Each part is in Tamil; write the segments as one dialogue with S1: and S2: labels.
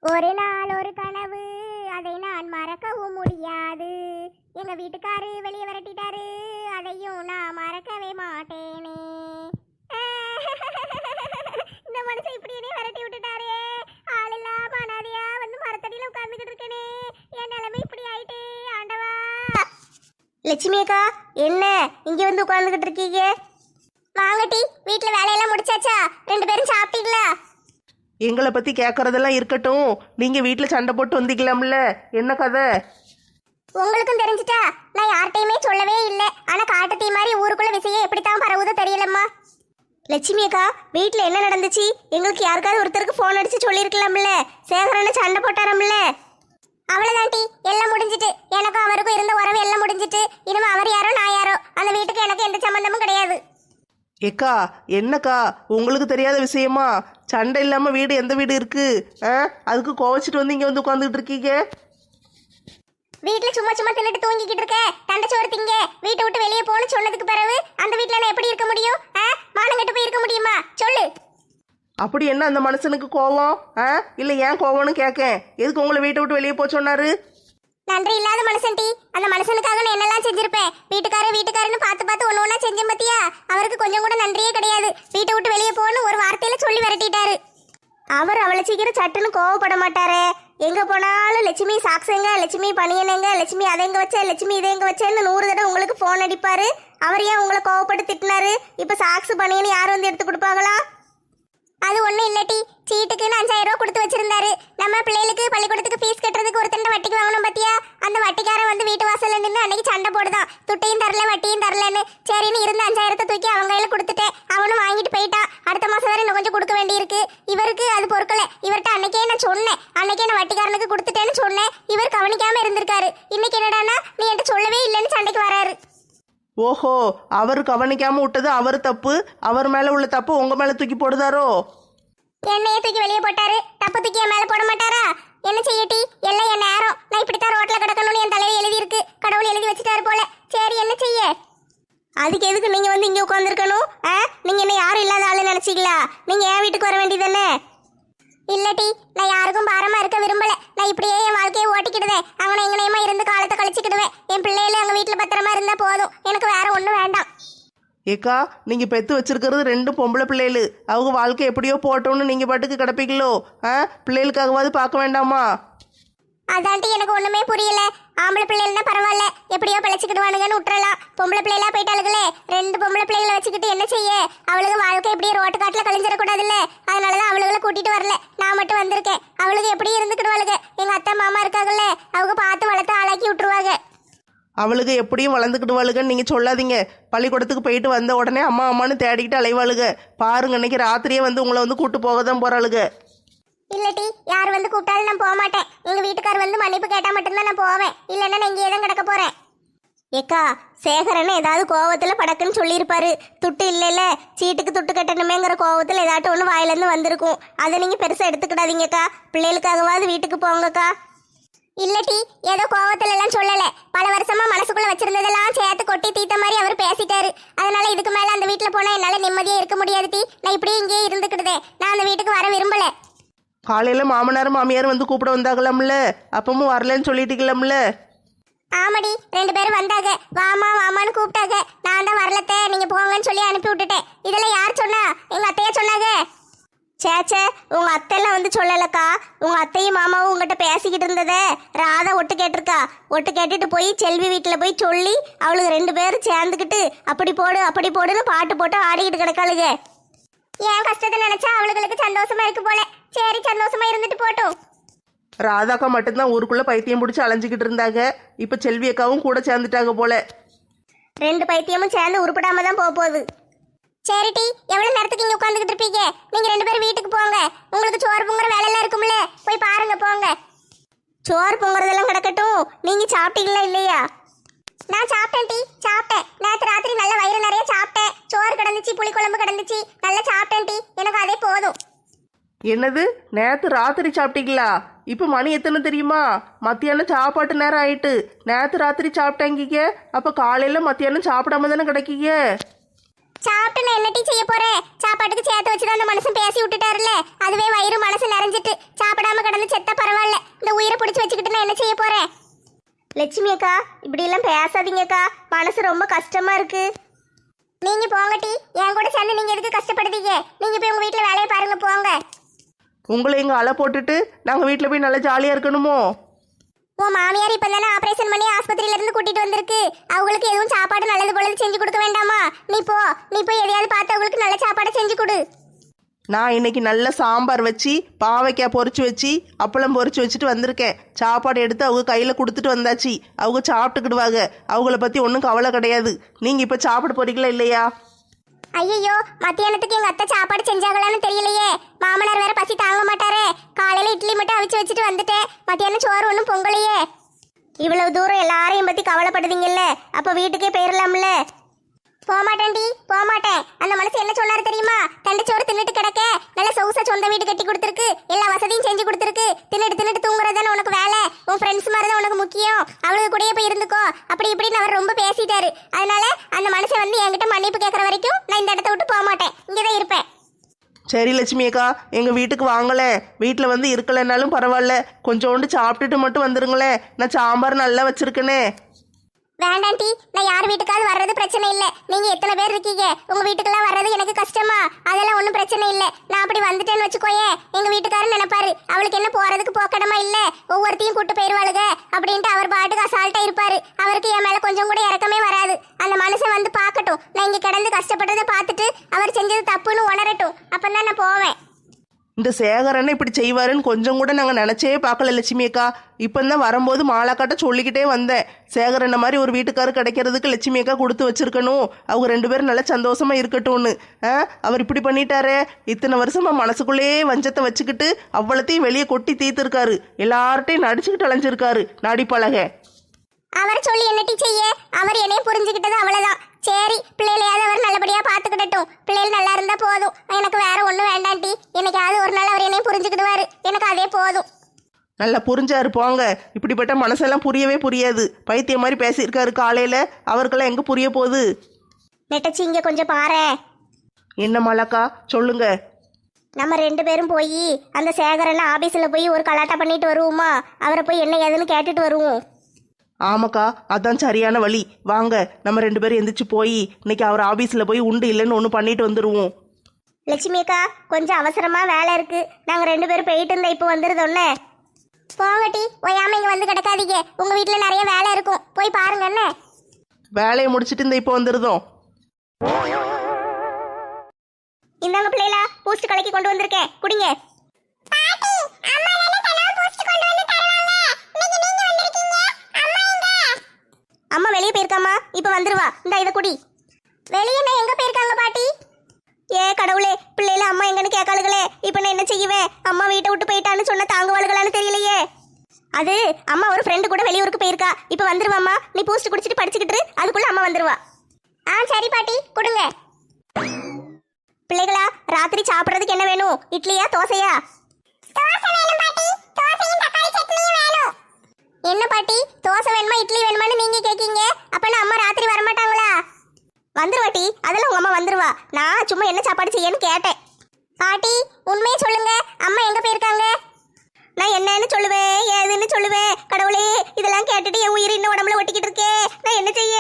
S1: ஒரு நாள் ஒரு கனவு, அதை நான் மறக்கவும் முடியாது. எங்க வீட்டுக்காரு வெளியே விரட்டிட்டாரு, அதையும் நான் மறக்கவே மாட்டேனே. இந்த மனுஷன் இப்படி என்னைய விரட்டி விட்டுட்டாரே. ஆள் இல்லாம அனாதையா வந்து மரத்தடியில உட்கார்ந்துகிட்டு இருக்கேனே. என் நிலைமை இப்படி ஆயிட்டே ஆண்டவா. லட்சுமி அக்கா, என்ன இங்க வந்து உட்கார்ந்துகிட்டு இருக்கீங்க? வாங்கட்டி, வீட்டுல வேலையெல்லாம் முடிச்சாச்சா? 2 பேரும் சாப்பிட்டீங்களா?
S2: எங்களை பற்றி கேட்குறதெல்லாம் இருக்கட்டும், நீங்கள் வீட்டில் சண்டை போட்டு வந்திக்கலாம்ல, என்ன கதை?
S1: உங்களுக்கும் தெரிஞ்சிட்டா? நான் யார்கிட்டையுமே சொல்லவே இல்லை. ஆனால் காட்டு தீ மாதிரி ஊருக்குள்ள விஷயம் எப்படித்தான் பரவுதோ தெரியலம்மா. லட்சுமி அக்கா, வீட்டில் என்ன நடந்துச்சு? எங்களுக்கு யாருக்காவது ஒருத்தருக்கு ஃபோன் அடிச்சு சொல்லியிருக்கலாம்ல. சேகரனை சண்டை போட்டாரம்ல. அவ்வளோதான்டி, எல்லாம் முடிஞ்சிட்டு. எனக்கும் அவருக்கும் இருந்த உறவு எல்லாம் முடிஞ்சிட்டு. இனிமே அவர் யாரோ நான் யாரோ, அந்த வீட்டுக்கு எனக்கு எந்த சம்மந்தமும் கிடையாது.
S2: ஏக்கா, என்னக்கா உங்களுக்கு தெரியாத விஷயமா? சண்டை இல்லாமல் வீடு எந்த வீடு இருக்கு? அதுக்கு கோவச்சிட்டு வந்து இங்கே வந்து உட்காந்துக்கிட்டு இருக்கீங்க.
S1: வீட்டில் சும்மா சும்மா தின்னுட்டு தூங்கிக்கிட்டு இருக்க. தண்டச்சோறு திங்க, வீட்டை விட்டு வெளியே போன்னு சொன்னதுக்கு பிறகு அந்த வீட்டில் நான் எப்படி இருக்க முடியும்? மானங்கட்டு போய் இருக்க முடியுமா? சொல்லு.
S2: அப்படி என்ன அந்த மனுஷனுக்கு கோவம்? இல்லை ஏன் கோவம்னு கேட்கேன். எதுக்கு உங்களை வீட்டை விட்டு வெளியே போக சொன்னாரு?
S1: நன்றி இல்லாத மனுஷன் டி. அந்த மனுஷனுக்காக நான் என்னெல்லாம் செஞ்சிருப்பேன். வீட்டுக்காரன்னு பார்த்து பார்த்து ஒன்று ஒன்றா செஞ்சேன் பத்தியா? அவருக்கு கொஞ்சம் கூட நன்றியே கிடையாது. வீட்டை விட்டு வெளியே போன்னு ஒரு வார்த்தையில சொல்லி விரட்டிட்டாரு. அவர் அவளை சீக்கிரம் சட்டுன்னு கோவப்பட மாட்டாரே. எங்க போனாலும் லட்சுமி சாக்ஸுங்க, லட்சுமி பணியனுங்க, லட்சுமி அதை எங்க வச்ச, லட்சுமி இதை எங்க வச்சேன்னு 100 தடவை உங்களுக்கு ஃபோன் அடிப்பாரு. அவர் ஏன் உங்களை கோவப்பட்டு திட்டினாரு? இப்போ சாக்ஸ் பணியன்னு யாரும் வந்து எடுத்து கொடுப்பாங்களா? அது ஒன்றும் இல்லட்டி, சீட்டுக்குன்னு 5000 ரூபா கொடுத்து வச்சிருந்தாரு. நம்ம பிள்ளைகளுக்கு பள்ளிக்கூடத்துக்கு ஃபீஸ் கட்டுறதுக்கு ஒருத்தண்ட வட்டிக்கு வாங்கணும் பத்தியா? அந்த வட்டிக்காரன் வந்து வீட்டு வாசல்ல நின்று அன்னைக்கு சண்டை போடுதான். துட்டையும் தரல, வட்டியும் தரலன்னு. சரின்னு இருந்த 5000 தூக்கி அவங்க கையில கொடுத்துட்டேன். அவனும் வாங்கிட்டு போயிட்டான். அடுத்த மாசம் வேற இன்னும் கொஞ்சம் கொடுக்க வேண்டியிருக்கு. இவருக்கு அது பொறுக்கல. இவர்கிட்ட அன்னைக்கே நான் சொன்னேன், அன்னைக்கே நான் வட்டிக்காரனுக்கு கொடுத்துட்டேன்னு சொன்னேன். இவர் கவனிக்காம இருந்திருக்காரு. இன்னைக்கு என்னடானா நீ என்கிட்ட சொல்லவே இல்லைன்னு சண்டைக்கு வராரு.
S2: ஓஹோ, அவர் கவனிக்காம விட்டது அவர் தப்பு. அவர் மேல உள்ள தப்பு உங்க மேல தூக்கி போடுதாரோ?
S1: என்னையே தூக்கி வெளியே போட்டாரு. தப்பு தூக்கி என் மேல போட மாட்டாரா? என்ன செய்யட்டி, எல்லாம் என் நேரம். நான் இப்படித்தான் ரோட்ல கிடக்கணும்னு என் தலையில எழுதி இருக்கு. கடவுள் எழுதி வச்சுட்டாரு போல. சரி, என்ன செய்ய? அதுக்கு எதுக்கு நீங்க வந்து இங்க உட்காந்துருக்கணும்? நீங்க என்ன யாரும் இல்லாத ஆளு நினைச்சீங்களா? நீங்க என் வீட்டுக்கு வர வேண்டியதானே? இல்லட்டி, நான் யாருக்கும் பாரமா இருக்க விரும்பல. நான் இப்படியே என் வாழ்க்கையை ஓட்டிக்கிடுவேன். அங்கன எங்கனையுமா இருந்து காலத்தை கழிச்சுக்கிடுவேன். என் பிள்ளைகள எங்க வீட்டுல பத்திரமா இருந்தா போதும். எனக்கு வேற ஒண்ணும் வேண்டாம்.
S2: ஏக்கா, நீங்க பெத்து வச்சிருக்கிறது 2 பொம்பளை பிள்ளைகள். அவங்க வாழ்க்கை எப்படியோ போட்டோம்னு நீங்க பாட்டுக்கு கிடப்பீங்களோ? பிள்ளைகளுக்காகவாது பார்க்க வேண்டாமா?
S1: அதான்ட்டி எனக்கு ஒண்ணுமே புரியல. ஆம்பளை பிள்ளைகள்னா பரவாயில்ல, எப்படியோ பிழைச்சிக்கிடுவானுங்கன்னு விட்டுறலாம். பொம்பளை பிள்ளைகளா போயிட்டாளுகளே. 2 பொம்பளை பிள்ளைகளை வச்சுக்கிட்டு என்ன செய்ய? அவளுக்கு வாழ்க்கை எப்படியே ரோட்டு காட்டுல கழிஞ்சிடக்கூடாதுல்ல. அதனாலதான் அவளுகளை கூட்டிட்டு வரல. நான் மட்டும் வந்திருக்கேன். அவளுக்கு எப்படியும் இருந்துக்கிடுவாளுங்க. எங்க அத்தை மாமா இருக்காங்கல்ல, அவங்க பார்த்து வளர்த்து ஆளாக்கி விட்டுருவாங்க.
S2: அவளுக்கு எப்படியும் வளர்ந்துக்கிடுவாளுகன்னு நீங்கள் சொல்லாதீங்க. பள்ளிக்கூடத்துக்கு போயிட்டு வந்த உடனே அம்மா அம்மான்னு தேடிக்கிட்டு அலைவாளுக. பாருங்க, இன்னைக்கு ராத்திரியே வந்து உங்களை வந்து கூட்டு போக தான் போகிறாளுக.
S1: இல்லட்டி, யார் வந்து கூப்பிட்டாலும் நான் போக மாட்டேன். எங்க வீட்டுக்கார் வந்து மன்னிப்பு கேட்டா மட்டும்தான் நான் போவேன். இல்லைன்னா நான் இங்கேயே தான் கிடக்க போறேன். ஏக்கா, சேகரன்னு ஏதாவது கோவத்தில் படக்குன்னு சொல்லியிருப்பாரு. துட்டு இல்லைல்ல, சீட்டுக்கு துட்டு கட்டணுமேங்கிற கோவத்தில் ஏதாட்டும் ஒன்று வாயிலேருந்து வந்திருக்கும். அதை நீங்கள் பெருசாக எடுத்துக்கிடாதீங்கக்கா. பிள்ளைகளுக்காகவாது வீட்டுக்கு போங்கக்கா. இல்லட்டி, ஏதோ கோவத்துல எல்லாம் சொல்லல. பல வருஷமா மனசுக்குள்ள வச்சிருந்ததெல்லாம் சேர்த்து கொட்டி தீத்த மாதிரி அவர் பேசிட்டாரு. அதனால இதுக்கு மேல அந்த வீட்டுல போனா என்னால நிம்மதியா இருக்க முடியாது டி. நான் இப்படியே இங்கேயே இருந்துக்கிடுதேன். நான் அந்த வீட்டுக்கு வர விரும்பல.
S2: காலையில் மாமனார் மாமியார் வந்து கூப்பிட வந்தாங்களாம்ல, அப்பவும் வரலன்னு சொல்லிட்டீங்களாம்ல.
S1: ஆமாடி, 2 பேரும் வந்தாங்க. வாமா வாமான்னு கூப்பிட்டாங்க. நான் தான் வரலத்த, நீங்க போங்கன்னு சொல்லி அனுப்பி விட்டுட்டேன். இதெல்லாம் யார் சொன்னா? எங்க அத்தையா சொன்னாங்க. சேச்சே, உங்க அத்தையெல்லாம் வந்து சொல்லலக்கா. உங்க அத்தையும் மாமாவும் உங்ககிட்ட பேசிக்கிட்டு இருந்ததே ராதா ஒட்டு கேட்டிருக்கா. ஒட்டு கேட்டுட்டு போய் செல்வி வீட்டில் போய் சொல்லி அவளுக்கு 2 பேரும் சேர்ந்துக்கிட்டு அப்படி போடு அப்படி போடுன்னு பாட்டு போட்டு ஆடிக்கிட்டு கிடக்காளுங்க. என் கஷ்டத்தை நினைச்சா அவளுகளுக்கு சந்தோஷமா இருக்கு போல. சரி, சந்தோஷமா இருந்துட்டு போட்டும்.
S2: ராதாக்கா மட்டும்தான் ஊருக்குள்ள பைத்தியம் பிடிச்சி அலைஞ்சிக்கிட்டு இருந்தாங்க. இப்போ செல்வி அக்காவும் கூட சேர்ந்துட்டாங்க போல.
S1: 2 பைத்தியமும் சேர்ந்து உருப்படாம தான் போகுது. சரிட்டி, எவ்வளவு நேரத்துக்கு இங்க உட்காந்துக்கிட்டு இருப்பீங்க? நீங்க 2 பேரும் வீட்டுக்கு போங்க. உங்களுக்கு சோறு பொங்குற வேலை எல்லாம் இருக்கும்ல, போய் பாருங்க போங்க. சோறு பொங்குறதெல்லாம் கிடக்கட்டும். நீங்க சாப்பிட்டீங்களா இல்லையா? நான் சாப்பிட்டேன் டி, சாப்பிட்டேன். நேற்று ராத்திரி நல்ல வயிறு நிறைய சாப்பிட்டேன். சோறு கிடந்துச்சு, புளிக்குழம்பு கிடந்துச்சு, நல்லா சாப்பிட்டேன் டி. எனக்கு அதே போதும்.
S2: என்னது, நேற்று ராத்திரி சாப்பிட்டீங்களா? இப்போ மணி எத்தனை தெரியுமா? மத்தியானம் சாப்பாட்டு நேரம் ஆயிட்டு. நேற்று ராத்திரி சாப்பிட்டாங்க. அப்போ காலையில் மத்தியானம் சாப்பிடாம தானே கிடைக்கீங்க?
S1: சாப்பிட்டு நான் என்னட்டி செய்ய போறேன்? சாப்பாட்டுக்கு சேர்த்து வச்சுதான் அந்த மனுஷன் பேசி விட்டுட்டாருல்ல, அதுவே வயிறு மனசு நிறைஞ்சிட்டு. சாப்பிடாம இல்லாம கிடந்து செத்தா பரவாயில்ல, இந்த உயிரை பிடிச்சி வச்சுக்கிட்டு நான் என்ன செய்ய போறேன்? லட்சுமி அக்கா, இப்படி எல்லாம் பேசாதீங்கக்கா, மனசு ரொம்ப கஷ்டமா இருக்கு. நீங்க போங்கட்டி, என் கூட சேர்ந்து நீங்க எதுக்கு கஷ்டப்படுதீங்க? நீங்க போய் உங்க வீட்டுல வேலையை பாருங்க, போங்க.
S2: உங்களை இங்கே அலை போட்டுட்டு நாங்கள் வீட்டில் போய் நல்லா ஜாலியாக இருக்கணுமோ?
S1: உன் மாமியார் இப்ப தானே ஆபரேஷன் பண்ணி ஆஸ்பத்திரியில இருந்து கூட்டிட்டு வந்திருக்கு. அவங்களுக்கு எதுவும் சாப்பாடு நல்லது போல செஞ்சு கொடுக்க வேண்டாமா? நீ போய் எதையாவது பார்த்து அவங்களுக்கு நல்ல சாப்பாடு செஞ்சு கொடு.
S2: நான் இன்னைக்கு நல்ல சாம்பார் வச்சு பாவைக்காய் பொரிச்சு வச்சு அப்பளம் பொரிச்சு வச்சுட்டு வந்திருக்கேன். சாப்பாடு எடுத்து அவங்க கையில் கொடுத்துட்டு வந்தாச்சு. அவங்க சாப்பிட்டுக்கிடுவாங்க. அவங்கள பற்றி ஒன்றும் கவலை கிடையாது. நீங்கள் இப்போ சாப்பிட போறீங்களா இல்லையா?
S1: ஐயோ, மத்தியானத்துக்கு எங்க அத்தை சாப்பாடு செஞ்சாங்களான்னு தெரியலையே. மாமனார் வேற பசி தாங்க மாட்டாரே. காலையில இட்லி மட்டும் அவிச்சு வச்சுட்டு வந்துட்டேன். மத்தியானம் சோறு ஒன்றும் பொங்கலையே. இவ்வளவு தூரம் எல்லாரையும் பத்தி கவலைப்படுதீங்கல்ல, அப்ப வீட்டுக்கே போயிடலாம்ல. போமாட்டேன்டி, போமாட்டேன். அந்த மனசு என்ன சொன்னாரு தெரியுமா? தண்டச்சோறு தின்னுட்டு கிடக்க, நல்ல சொகுசா சொந்த வீடு கட்டி கொடுத்துருக்கு, எல்லா வசதியும் செஞ்சு கொடுத்துருக்கு. தின்னுட்டு தூங்குறதானே உனக்கு வேலை. உன் ஃப்ரெண்ட்ஸ் மாதிரி தான் உனக்கு முக்கியம். அவளுக்கு கூடயே போய் இருந்துக்கோ. அப்படி இப்படின்னு அவர் ரொம்ப பேசிட்டாரு. அதனால அந்த மனுஷன் வந்து என்கிட்ட மன்னிப்பு கேட்கற வரைக்கும் நான் இந்த இடத்த விட்டு போக மாட்டேன். இங்கதான் இருப்பேன்.
S2: சரி லட்சுமி அக்கா, எங்கள் வீட்டுக்கு வாங்களேன். வீட்டில் வந்து இருக்கலைன்னாலும் பரவாயில்ல, கொஞ்சோண்டு சாப்பிட்டுட்டு மட்டும் வந்துருங்களேன். நான் சாம்பார் நல்லா வச்சிருக்கேனே.
S1: வேண்டாண்டி, நான் யார் வீட்டுக்காவது வர்றது பிரச்சனை இல்லை. நீங்க எத்தனை பேர் இருக்கீங்க? உங்க வீட்டுக்கெல்லாம் வர்றது எனக்கு கஷ்டமா? அதெல்லாம் ஒன்றும் பிரச்சனை இல்லை. நான் அப்படி வந்துட்டேன்னு வச்சுக்கோயே, எங்க வீட்டுக்காரர் நினைப்பாரு அவளுக்கு என்ன போறதுக்கு போக்கடமா இல்ல, ஒவ்வொருத்தையும் கூட்டு போயிருவாளுங்க அப்படின்ட்டு அவர் பாட்டுக்கு அசால்ட்டா இருப்பாரு. அவருக்கு என் மேல கொஞ்சம் கூட இறக்கமே வராது. அந்த மனுஷன் வந்து பார்க்கட்டும், நான் இங்க கிடந்து கஷ்டப்பட்டதை பார்த்துட்டு அவர் செஞ்சது தப்புன்னு உணரட்டும். அப்பதான் நான் போவேன்.
S2: இந்த சேகரனை இப்படி செய்வாருன்னு கொஞ்சம் கூட நாங்கள் நினச்சே பார்க்கல லட்சுமி அக்கா. இப்போ தான் வரும்போது மாலாக்காட்ட சொல்லிக்கிட்டே வந்தேன். சேகரனை மாதிரி ஒரு வீட்டுக்காரர் கிடைக்கிறதுக்கு லட்சுமி அக்கா கொடுத்து வச்சிருக்கணும். அவங்க 2 பேரும் நல்லா சந்தோஷமா இருக்கட்டும்னு. அவர் இப்படி பண்ணிட்டாரே. இத்தனை வருஷமா மனசுக்குள்ளேயே வஞ்சத்தை வச்சுக்கிட்டு அவ்வளோத்தையும் வெளியே கொட்டி தீர்த்துருக்காரு. எல்லார்ட்டையும் நடிச்சுக்கிட்டு அலைஞ்சிருக்காரு நடிப்பழக.
S1: அவர் சொல்லி என்னட்டி செய்ய? அவர் என்னைய புரிஞ்சுக்கிட்டது அவ்வளவுதான். சரி, பிள்ளைகளையாவது அவர் நல்லபடியா பாத்துக்கிடட்டும். பிள்ளைகள் நல்லா இருந்தா போதும். எனக்கு வேற ஒண்ணும் வேண்டாண்டி. என்னைக்காவது ஒரு நாள் அவர் என்னைய புரிஞ்சுக்கிடுவாரு. எனக்கு அதே போதும்.
S2: நல்லா புரிஞ்சாரு போங்க. இப்படிப்பட்ட மனசெல்லாம் புரியவே புரியாது. பைத்தியம் மாதிரி பேசியிருக்காரு காலையில. அவருக்கெல்லாம் எங்க புரிய போகுது?
S1: நெட்டச்சி, இங்க கொஞ்சம் பாரு.
S2: என்ன மாலாக்கா, சொல்லுங்க.
S1: நம்ம 2 பேரும் போய் அந்த சேகரன் ஆபீஸ்ல போய் ஒரு கலாட்டா பண்ணிட்டு வருவோமா? அவரை போய் என்ன ஏதுன்னு கேட்டுட்டு வருவோம்.
S2: ஆமாக்கா, அதான் சரியான வழி. வாங்க, நம்ம 2 பேரும் எந்திரிச்சு போய் இன்னைக்கு அவர் ஆபீஸ்ல போய் உண்டு இல்லைன்னு ஒன்று பண்ணிட்டு வந்துடுவோம்.
S1: லட்சுமி அக்கா, கொஞ்சம் அவசரமா வேலை இருக்கு. நாங்க 2 பேரும் போயிட்டு இருந்தா இப்போ வந்துருதோன்னே. போங்கட்டி, ஓயாம இங்க வந்து கிடக்காதீங்க. உங்க வீட்டுல நிறைய வேலை இருக்கும், போய் பாருங்க. என்ன
S2: வேலையை முடிச்சிட்டு இந்த இப்போ வந்துருதோம்.
S1: இந்தாங்க பிள்ளைகளா, பூஸ்ட் கலக்கி கொண்டு வந்திருக்கேன், குடிங்க. அம்மா வெளியே போயிருக்காமா, இப்ப வந்துருவா. இந்த இதை குடி. வெளியே நான் எங்க போயிருக்காங்க பாட்டி? ஏ கடவுளே, பிள்ளைல அம்மா எங்கன்னு கேட்காளுகளே. இப்ப நான் என்ன செய்வேன்? அம்மா வீட்டை விட்டு போயிட்டான்னு சொன்ன தாங்குவாளுகளான்னு தெரியலையே. அது அம்மா ஒரு ஃப்ரெண்டு கூட வெளியூருக்கு போயிருக்கா. இப்ப வந்துருவாம்மா. நீ பூஸ்ட் குடிச்சிட்டு படிச்சுக்கிட்டு அதுக்குள்ள அம்மா வந்துருவா. சரி பாட்டி, கொடுங்க. பிள்ளைகளா, ராத்திரி சாப்பிடுறதுக்கு என்ன வேணும்? இட்லியா தோசையா? என்ன பாட்டி, தோசை வேணுமா இட்லி வேணுமான்னு நீங்க கேக்கீங்க? அப்பனா அம்மா ராத்திரி வரமாட்டாங்களா? வந்துருவாட்டி, அதெல்லாம் உங்க அம்மா வந்துருவா. நான் சும்மா என்ன சாப்பாடு செய்யன்னு கேட்டேன். பாட்டி, உண்மையே சொல்லுங்க, அம்மா எங்க போயிருக்காங்க? நான் என்னன்னு சொல்லுவேன், ஏதுன்னு சொல்லுவேன். கடவுளே, இதெல்லாம் கேட்டுட்டு என் உயிர் இன்னும் உடம்புல ஒட்டிக்கிட்டு இருக்கே. நான் என்ன செய்ய?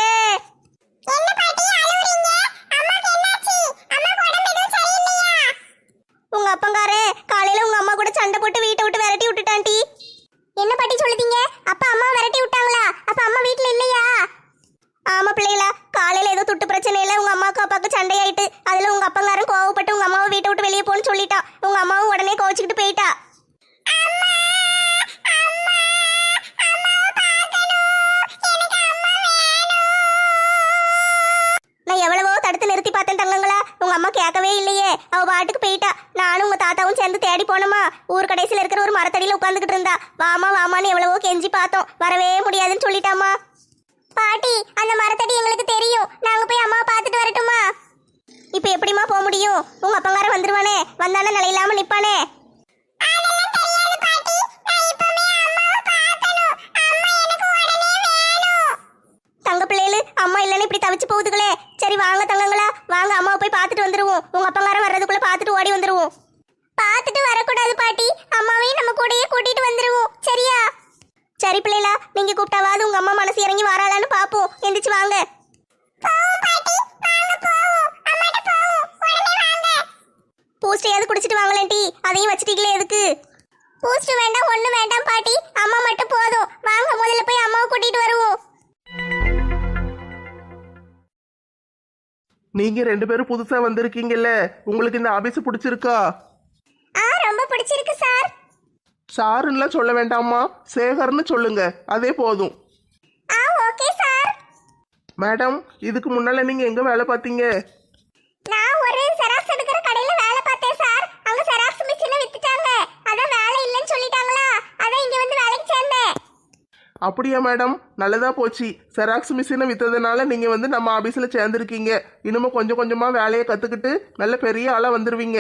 S1: உங்க அப்பங்காரே காலையில உங்க அம்மா கூட சண்டை போட்டு வீட்டை விட்டு விரட்டி விட்டுட்டான்டி. என்ன பாட்டி சொல்லுதீங்க? அப்பா அம்மா விரட்டி விட்டாங்களா? அப்ப அம்மா வீட்ல இல்லையா? ஆமா பிள்ளைகளா, காலையில ஏதோ துட்டு பிரச்சனையில உங்க அம்மாவுக்கு அப்பாவுக்கு சண்டையாயிட்டு அதுல உங்க அப்பங்காரன் கோவப்பட்டு உங்க அம்மாவை வீட்டை விட்டு வெளியே போன்னு சொல்லிட்டான். உங்க அம்மாவும் உடனே கோவிச்சுக்கிட்டு போயிட்டா. நான் எவ்வளவோ தடுத்து நிறுத்தி பார்த்தேன் தங்கங்களா, உங்க அம்மா கேட்கவே இல்லையே. அவ பாட்டுக்கு போயிட்டா. நானும் உங்க தாத்தாவும் சேர்ந்து தேடி போனோமா. ஊர் கடைசியில் இருக்கிற ஒரு மரத்தடியில உட்காந்துக்கிட்டு இருந்தா. வாமா வாமான்னு எவ்வளவோ கெஞ்சி பார்த்தோம், வரவே முடியாதுன்னு சொல்லிட்டாமா. பாட்டி, அந்த மரத்தடி எங்களுக்கு தெரியும். நாங்க போய் அம்மாவை பார்த்துட்டு வரட்டுமா? இப்ப எப்படிமா போக முடியும்? உங்க அப்பங்காரன் வந்துருவானே, வந்தானே நிலை இல்லாம நிப்பானே. தங்க பிள்ளைகளு, அம்மா இல்லைன்னு இப்படி தவிச்சு போகுதுகளே. சரி வாங்க தங்கங்களா, வாங்க அம்மாவை போய் பார்த்துட்டு வந்துருவோம். உங்க அப்பங்காரன் வர்றதுக்குள்ள பார்த்துட்டு ஓடி வந்துருவோம். பார்த்துட்டு வரக்கூடாது பாட்டி, அம்மாவையும் நம்ம கூடயே சரி பிள்ளைகளா, நீங்க கூப்பிட்டாவது உங்க அம்மா மனசு இறங்கி வராளான்னு பாப்போம். எந்திரிச்சு வாங்க. பூஸ்டையாவது குடிச்சிட்டு வாங்களேன் டீ. அதையும் வச்சிட்டீங்களே எதுக்கு? பூஸ்ட் வேண்டாம், ஒண்ணு வேண்டாம் பாட்டி, அம்மா மட்டும் போதும். வாங்க முதல்ல போய் அம்மாவை கூட்டிட்டு வருவோம்.
S2: நீங்க 2 பேரும் புதுசா வந்திருக்கீங்கல்ல, உங்களுக்கு இந்த ஆபீஸ் பிடிச்சிருக்கா?
S1: ரொம்ப பிடிச்சிருக்கு சார்.
S2: சாருன்னுலாம் சொல்ல வேண்டாமா, சேகர்னு சொல்லுங்க, அதே போதும்.
S1: Okay sir.
S2: மேடம், இதுக்கு முன்னால நீங்க எங்க வேலை பார்த்தீங்க?
S1: நான் ஒரு செராக்ஸ் எடுக்கிற கடையில வேலை பார்த்தேன் சார். அங்க செராக்ஸ் மிஷினை வித்துட்டாங்க. அதான் வேலை இல்லைன்னு சொல்லிட்டாங்களா, அதான் இங்க வந்து வேலைக்கு சேர்ந்தேன்.
S2: அப்படியா மேடம், நல்லதா போச்சு. செராக்ஸ் மிஷினை வித்ததுனால நீங்க வந்து நம்ம ஆபீஸ்ல சேர்ந்துருக்கீங்க. இன்னமும் கொஞ்சம் கொஞ்சமா வேலையை கத்துக்கிட்டு நல்ல பெரிய ஆளா வந்துருவீங்க.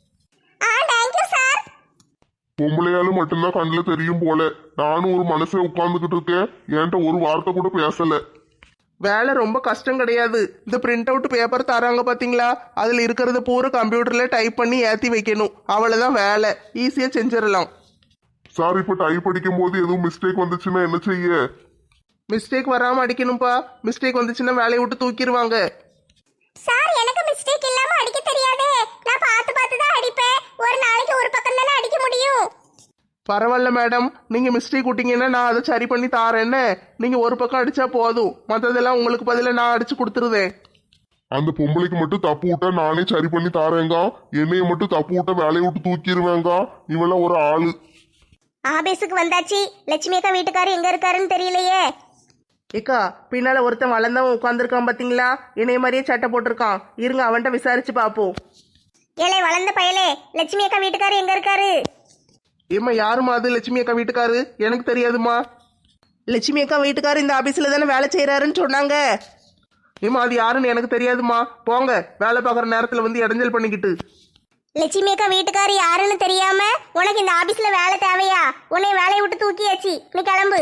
S1: Thank you sir.
S3: பொம்பளையாலும் மட்டும்தான் கண்ணில் தெரியும் போல. நானும் ஒரு மனசுல உட்கார்ந்துகிட்டு இருக்கேன், என்கிட்ட ஒரு வார்த்தை கூட பேசல.
S2: வேலை ரொம்ப கஷ்டம் கிடையாது. இந்த பிரிண்ட் அவுட் பேப்பர் தராங்க பாத்தீங்களா, அதுல இருக்கிறத பூரா கம்ப்யூட்டர்ல டைப் பண்ணி ஏத்தி வைக்கணும். அவ்வளவுதான் வேலை, ஈஸியா செஞ்சிடலாம்.
S3: சார், இப்ப டைப் அடிக்கும் போது எதுவும் மிஸ்டேக் வந்துச்சுன்னா என்ன செய்ய?
S2: மிஸ்டேக் வராம அடிக்கணும்ப்பா. மிஸ்டேக் வந்துச்சுன்னா வேலையை விட்டு தூக்கிடுவாங்க.
S1: சார், எனக்கு மிஸ்டேக் இல்லாம அடிக்க தெரியாதே. நான் பார்த்து பார்த்து தான் அடிப்பேன். ஒரு நாளைக்கு ஒரு பக்கம் தானே அடிக்க முடியும்.
S2: பரவாயில்ல மேடம், நீங்க மிஸ்டேக் விட்டீங்கன்னா நான் அதை சரி பண்ணி தாரேன்னு. நீங்க ஒரு பக்கம் அடிச்சா போதும், மற்றதெல்லாம் உங்களுக்கு பதிலாக நான் அடிச்சு கொடுத்துருவேன்.
S3: அந்த பொம்பளைக்கு மட்டும் தப்பு விட்டா நானே சரி பண்ணி தாரேங்க. என்னைய மட்டும் தப்பு விட்டா வேலையை விட்டு தூக்கிடுவேங்க. இவெல்லாம் ஒரு ஆளு.
S1: ஆபீஸுக்கு வந்தாச்சு. லட்சுமி அக்கா வீட்டுக்காரர் எங்க இருக்காருன்னு தெரியலையே.
S2: ஏக்கா, பின்னால ஒருத்தன் வளர்ந்தவன் உட்காந்துருக்கான் பாத்தீங்களா, இணைய மாதிரியே சட்டை போட்டிருக்கான். இருங்க, அவன்கிட்ட விசாரிச்சு பார்ப்போம்.
S1: ஏலே வளர்ந்த பயலே, லட்சுமி அக்கா வீட்டுக்காரர் எங்க இருக்காரு?
S2: ஏம்மா, யாருமா அது? லட்சுமி அக்கா வீட்டுக்காரு? எனக்கு தெரியாதுமா. லட்சுமி அக்கா வீட்டுக்காரு இந்த ஆபீஸ்ல தானே வேலை செய்யறாருன்னு சொன்னாங்க. ஏம்மா, அது யாருன்னு எனக்கு தெரியாதுமா. போங்க, வேலை பார்க்குற நேரத்தில் வந்து இடைஞ்சல் பண்ணிக்கிட்டு.
S1: லட்சுமி அக்கா வீட்டுக்காரர் யாருன்னு தெரியாம உனக்கு இந்த ஆபீஸ்ல வேலை தேவையா? உன்னை வேலையை விட்டு தூக்கியாச்சு, நீ கிளம்பு.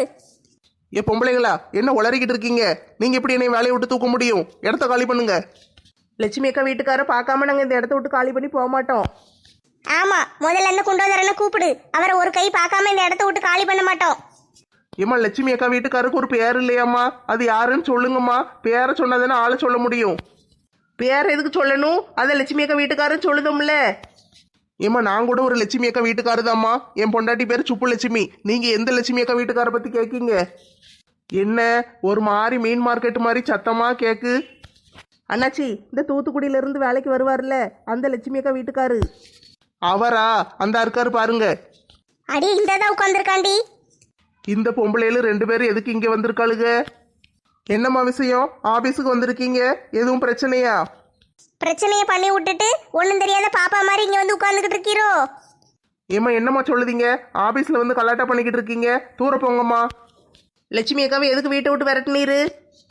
S2: ஏ பொம்பளைங்களா, என்ன உளறிக்கிட்டு இருக்கீங்க? நீங்க எப்படி என்னை வேலையை விட்டு தூக்க முடியும்? இடத்த காலி பண்ணுங்க. லட்சுமி அக்கா வீட்டுக்கார பார்க்காம நாங்கள் இந்த இடத்த விட்டு காலி பண்ணி போக மாட்டோம்.
S1: ஆமா, முதல்ல அந்த குண்டோதரனை கூப்பிடு. அவரை ஒரு கை பார்க்காம இந்த இடத்த விட்டு காலி பண்ண மாட்டோம்.
S2: ஏம்மா, லட்சுமி அக்கா வீட்டுக்காருக்கு ஒரு பேர் இல்லையாம்மா? அது யாருன்னு சொல்லுங்கம்மா. பேரை சொன்னதானே ஆளை சொல்ல முடியும். பேர் எதுக்கு சொல்லணும்? அதை லட்சுமி அக்கா வீட்டுக்காரன்னு சொல்லுதோம்ல. ஏம்மா, நான் கூட ஒரு லட்சுமி அக்கா வீட்டுக்காரு தாம்மா. என் பொண்டாட்டி பேர் சுப்பு லட்சுமி. நீங்க எந்த லட்சுமி அக்கா வீட்டுக்கார பத்தி கேட்கீங்க? என்ன ஒரு மாதிரி மீன் மார்க்கெட் மாதிரி சத்தமா கேக்கு? அண்ணாச்சி, இந்த தூத்துக்குடியில இருந்து வேலைக்கு வருவார்ல, அந்த லட்சுமி அக்கா வீட்டுக்காரு. அவரா? அந்த இருக்காரு பாருங்க.
S1: அடி, இந்த தான் உட்காந்துருக்காண்டி.
S2: இந்த பொம்பளையில 2 பேரும் எதுக்கு இங்க வந்திருக்காளுங்க? என்னம்மா விஷயம்? ஆபீஸுக்கு வந்திருக்கீங்க, எதுவும் பிரச்சனையா?
S1: பிரச்சனையை பண்ணி விட்டுட்டு ஒன்றும் தெரியாத பாப்பா மாதிரி இங்க வந்து உட்கார்ந்துகிட்டு இருக்கீரோ?
S2: ஏம்மா, என்னம்மா சொல்லுதீங்க? ஆபீஸ்ல வந்து கலாட்டா பண்ணிக்கிட்டு இருக்கீங்க, தூர போங்கம்மா. லட்சுமி அக்காவை எதுக்கு வீட்டை விட்டு விரட்டினீரு?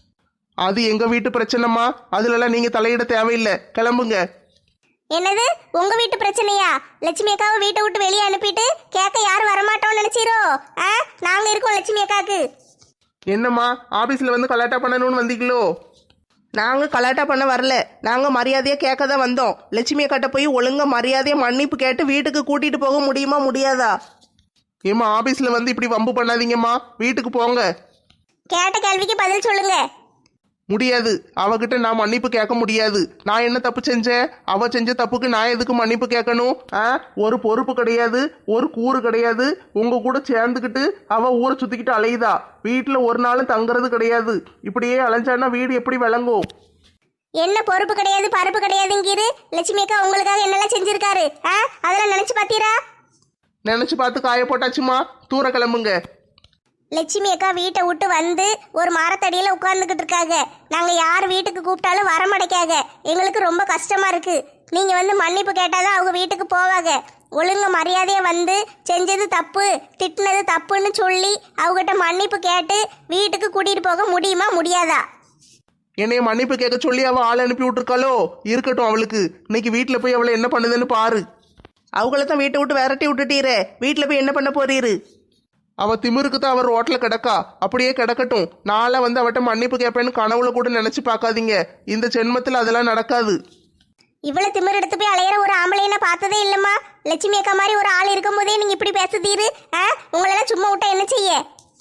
S2: அது எங்க வீட்டு பிரச்சனைம்மா, அதுலலாம் நீங்க தலையிட தேவையில்லை, கிளம்புங்க.
S1: என்னது உங்க வீட்டு பிரச்சனையா? லட்சுமி அக்காவை வீட்டை விட்டு வெளியே அனுப்பிட்டு கேட்க யாரும் வரமாட்டோம்னு நினைச்சீரோ? நாங்க இருக்கோம் லட்சுமி அக்காக்கு.
S2: என்னம்மா, ஆபீஸ்ல வந்து கலாட்டா பண்ணணும்னு வந்தீங்களோ? நாங்க கலாட்டா பண்ண வரல, நாங்க மரியாதையா கேட்க தான் வந்தோம். லட்சுமி அக்காட்ட போய் ஒழுங்கா மரியாதையா மன்னிப்பு கேட்டு வீட்டுக்கு கூட்டிட்டு போக முடியுமா முடியாதா? ஏம்மா, ஆபீஸ்ல வந்து இப்படி வம்பு பண்ணாதீங்கம்மா, வீட்டுக்கு போங்க.
S1: கேட்ட கேள்விக்கு பதில் சொல்லுங்க.
S2: முடியாது, அவகிட்ட நான் மன்னிப்பு கேட்க முடியாது. நான் என்ன தப்பு செஞ்சேன்? அவ செஞ்ச தப்புக்கு நான் எதுக்கு மன்னிப்பு கேட்கணும்? ஒரு பொறுப்பு கிடையாது, ஒரு கூறு கிடையாது. உங்க கூட சேர்ந்துக்கிட்டு அவ ஊரை சுத்திக்கிட்டு அலையுதா. வீட்டுல ஒரு நாளும் தங்குறது கிடையாது. இப்படியே அலைஞ்சான்னா வீடு எப்படி விளங்கும்?
S1: என்ன பொறுப்பு கிடையாது பருப்பு கிடையாதுங்கிரு? லட்சுமி அக்கா உங்களுக்காக என்னெல்லாம் செஞ்சிருக்காரு? அதெல்லாம் நினைச்சு பாத்தீரா?
S2: நினைச்சு பார்த்து காய போட்டாச்சுமா, தூர கிளம்புங்க.
S1: லட்சுமி அக்கா வீட்டை விட்டு வந்து ஒரு மரத்தடியில உட்கார்ந்துகிட்டு இருக்காங்க. நாங்க யார் வீட்டுக்கு கூப்பிட்டாலும் வரமாட்டேக்காங்க. எங்களுக்கு ரொம்ப கஷ்டமா இருக்கு. நீங்க வந்து மன்னிப்பு கேட்டாதான் அவங்க வீட்டுக்கு போவாங்க. ஒழுங்கு மரியாதையா வந்து செஞ்சது தப்பு, திட்டினது தப்புன்னு சொல்லி அவகிட்ட மன்னிப்பு கேட்டு வீட்டுக்கு கூட்டிட்டு போக முடியுமா முடியாதா?
S2: என்னைய மன்னிப்பு கேட்க சொல்லி அவ ஆள் அனுப்பி விட்டுருக்காளோ? இருக்கட்டும், அவளுக்கு இன்னைக்கு வீட்டில் போய் அவளை என்ன பண்ணுதுன்னு பாரு. அவங்கள தான் வீட்டை விட்டு விரட்டி விட்டுட்டீரே, வீட்டில் போய் என்ன பண்ண போறீரு? அவ திமிருக்கு தான் அவர் ரோட்ல கிடக்கா, அப்படியே கிடக்கட்டும். நாளை வந்து அவட்ட மன்னிப்பு கேட்பேன்னு கனவுல கூட நினைச்சு பார்க்காதீங்க. இந்த ஜென்மத்தில் அதெல்லாம் நடக்காது.
S1: இவ்வளவு திமிர் எடுத்து போய் அலையிற ஒரு ஆம்பளைய நான் பார்த்ததே இல்லம்மா. லட்சுமி அக்கா மாதிரி ஒரு ஆள் இருக்கும் போதே நீங்க இப்படி பேசுதீரு. உங்களெல்லாம் சும்மா விட்டா என்ன செய்ய?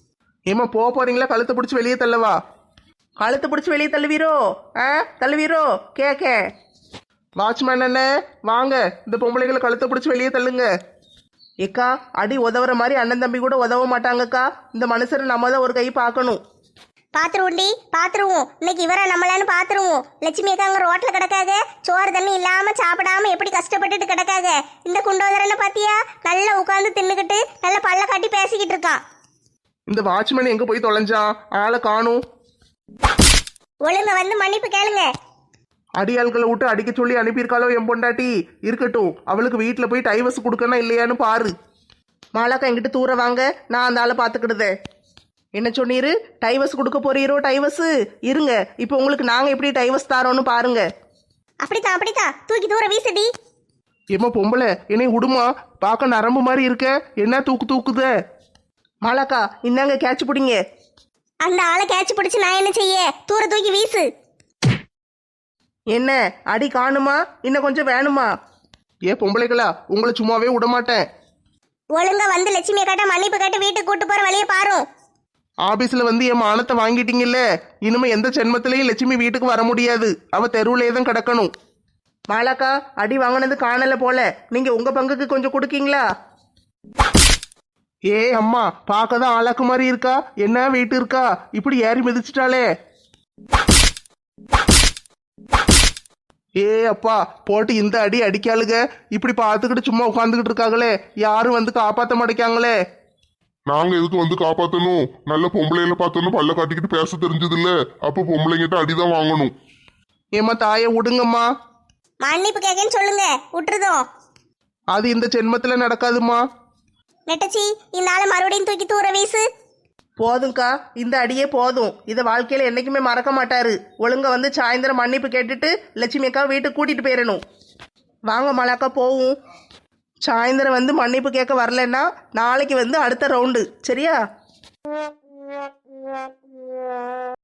S2: ஏம்மா போக போறீங்களா? கழுத்தை பிடிச்சி வெளியே தள்ளவா? கழுத்தை பிடிச்சி வெளியே தள்ளுவீரோ? தள்ளுவீரோ? கேக்க வாட்ச்மேன் அண்ணே வாங்க, இந்த பொம்பளைகளை கழுத்தை பிடிச்சி வெளியே தள்ளுங்க. ஏக்கா அடி உதவுற மாதிரி அண்ணன் தம்பி கூட உதவ மாட்டாங்கக்கா. இந்த மனுஷரை நம்ம தான் ஒரு கை பார்க்கணும்.
S1: பாத்துருவோண்டி, பாத்துருவோம். இன்னைக்கு இவரை நம்மளான்னு பாத்துருவோம். லட்சுமி அக்கா அங்க ரோட்ல கிடக்காக, சோறு தண்ணி இல்லாம சாப்பிடாம எப்படி கஷ்டப்பட்டுட்டு கிடக்காக. இந்த குண்டோதரனை பாத்தியா, நல்லா உட்காந்து தின்னுக்கிட்டு நல்லா பல்ல காட்டி பேசிக்கிட்டு இருக்கான்.
S2: இந்த வாட்ச்மேன் எங்க போய் தொலைஞ்சான்? ஆளை காணும்.
S1: ஒழுங்க வந்து மன்னிப்பு கேளுங்க.
S2: அடியாள்களை விட்டு அடிக்க சொல்லி அனுப்பியிருக்காளோ என் பொண்டாட்டி? இருக்கட்டும், அவளுக்கு வீட்டில் போய் டைவர்ஸ் கொடுக்கணும் இல்லையான்னு பாரு. மாலாக்கா என்கிட்ட தூர வாங்க, நான் அந்த ஆளை பார்த்துக்கிடுதே. என்ன சொன்னீரு? டைவர்ஸ் கொடுக்க போறீரோ? டைவர்ஸ் இருங்க, இப்போ உங்களுக்கு நாங்கள் எப்படி டைவர்ஸ் தாரோன்னு பாருங்க.
S1: அப்படித்தான் அப்படித்தான், தூக்கி தூர வீசுடி.
S2: ஏம்மா பொம்பளை என்னை விடுமா, பார்க்க நரம்பு மாதிரி இருக்க, என்ன தூக்குத? மாலாக்கா இந்தாங்க கேட்ச் பிடிங்க.
S1: அந்த ஆளை கேட்ச் பிடிச்சு நான் என்ன செய்ய? தூர தூக்கி வீசு.
S2: என்ன அடி காணுமா? இன்னும் கொஞ்சம் வேணுமா? பொம்பளைகளா உங்களை சும்மாவே விட மாட்டேன்.
S1: ஒழுங்கா வந்து லட்சுமி அக்காட்ட மன்னிப்பு கேட்டு வீட்டுக்கு கூட்டு போற வழியை பாரு.
S2: ஆபீஸ்ல வந்து என் மானத்தை வாங்கிட்டீங்கல்ல, இனிமே எந்த ஜென்மத்திலையும் லட்சுமி வீட்டுக்கு வர முடியாது. அவ தெருவுலே தான் கிடக்கணும். மாலாக்கா அடி வாங்கினது காணல போல, நீங்க உங்க பங்குக்கு கொஞ்சம் கொடுக்கீங்களா? அம்மா பார்க்கதான் ஆளாக்கு மாதிரி இருக்கா, என்ன வெயிட் இருக்கா, இப்படி ஏறி மிதிச்சிட்டாலே. அப்பா போட்டு இந்த அடி அடிக்காளுங்க, இப்படி பார்த்துக்கிட்டு சும்மா உட்காந்துக்கிட்டு இருக்காங்களே, யாரும் வந்து காப்பாற்ற மாட்டேங்காங்களே.
S3: நாங்க எதுக்கு வந்து காப்பாத்தணும்? நல்ல பொம்பளையில பார்த்தோன்னு பல்ல காட்டிக்கிட்டு பேச தெரிஞ்சது இல்ல, அப்ப பொம்பளைங்கிட்ட அடிதான் வாங்கணும்.
S2: ஏம்மா தாயை விடுங்கம்மா.
S1: மன்னிப்பு கேட்கன்னு சொல்லுங்க, விட்டுருதோம்.
S2: அது இந்த ஜென்மத்துல நடக்காதுமா.
S1: நெட்டச்சி இந்த ஆளை மறுபடியும் தூக்கி தூர வீசு.
S2: போதும்க்கா, இந்த அடியே போதும். இதை வாழ்க்கையில என்னைக்குமே மறக்க மாட்டாரு. ஒழுங்கா வந்து சாயந்தரம் மன்னிப்பு கேட்டுட்டு லட்சுமி அக்கா வீட்டுக்கு கூட்டிட்டு போயிடணும். வாங்க மாலாக்கா போவும். சாயந்தரம் வந்து மன்னிப்பு கேட்க வரலன்னா நாளைக்கு வந்து அடுத்த ரவுண்டு, சரியா?